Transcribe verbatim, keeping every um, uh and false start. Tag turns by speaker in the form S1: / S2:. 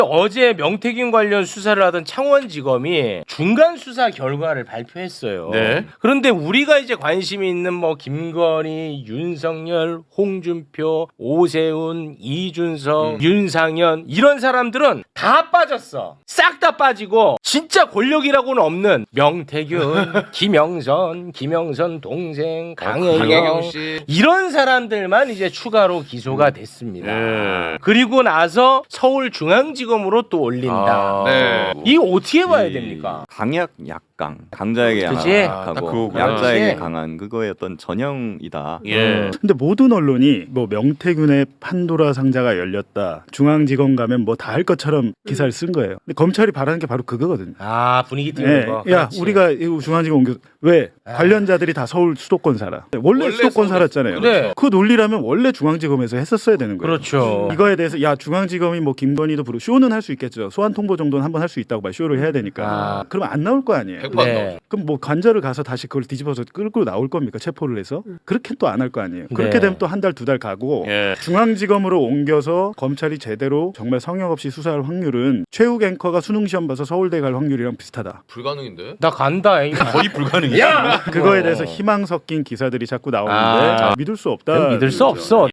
S1: 어제 명태균 관련 수사를 하던 창원지검이 중간 수사 결과를 발표했어요.
S2: 네.
S1: 그런데 우리가 이제 관심이 있는 뭐 김건희, 윤석열, 홍준표, 오세훈, 이준석,
S2: 음.
S1: 윤상현 이런 사람들은 다 빠졌어. 싹 다 빠지고 진짜 권력이라고는 없는 명태균, 김영선, 김영선 동생, 강혜경,
S2: 강혜경 씨.
S1: 이런 사람들만 이제 추가로 기소가 됐습니다.
S2: 네.
S1: 그리고 나서 서울중앙지검으로 또 올린다.
S2: 아, 네.
S1: 이 어떻게 봐야 됩니까?
S3: 강약 약강, 강자에게
S1: 그치?
S3: 약하고
S2: 아, 딱 그거구나.
S3: 약자에게
S1: 그치?
S3: 강한 그거의 어떤 전형이다.
S2: 예.
S4: 근데 모든 언론이 뭐 명태균의 판도라 상자가 열렸다. 중앙지검 가면 뭐 다 할 것처럼 기사를 쓴 거예요. 근데 검찰이 바라는 게 바로 그거거든요.
S1: 아 분위기 띄우는
S4: 예,
S1: 거.
S4: 야,
S1: 그렇지.
S4: 우리가 이 중앙지검 옮겨 왜
S1: 아.
S4: 관련자들이 다 서울 수도권 살아. 원래,
S2: 원래
S4: 수도권
S2: 서울-
S4: 살았잖아요.
S1: 그래.
S4: 그 논리라면 원래 중앙지검에서 했었어야 되는 거예요.
S1: 그렇죠.
S4: 이거에 대해서 야 중앙지검이 뭐 김건희도 부르 쇼는 할 수 있겠죠. 소환 통보 정도는 한번 할 수 있다고 봐. 쇼를 해야 되니까.
S1: 아.
S4: 그러면 안 나올 거 아니에요.
S2: 백 번
S1: 네.
S2: 나오죠.
S4: 그럼 뭐 관절을 가서 다시 그걸 뒤집어서 끌고 나올 겁니까? 체포를 해서 그렇게 또 안 할 거 아니에요. 그렇게
S1: 네.
S4: 되면 또 한 달 두 달 가고
S2: 예.
S4: 중앙지검으로 옮겨서 검찰이 제대로 정말 성역 없이 수사할 확률은 최욱 앵커가 수능 시험 봐서 서울대 갈 확률이랑 비슷하다.
S2: 불가능인데.
S1: 나 간다. 이거.
S2: 거의 불가능이야.
S4: 그거에 대해서 희망 섞인 기사들이 자꾸 나오는데
S1: 아.
S4: 믿을 수 없다.
S1: 그건 믿을 수 없어.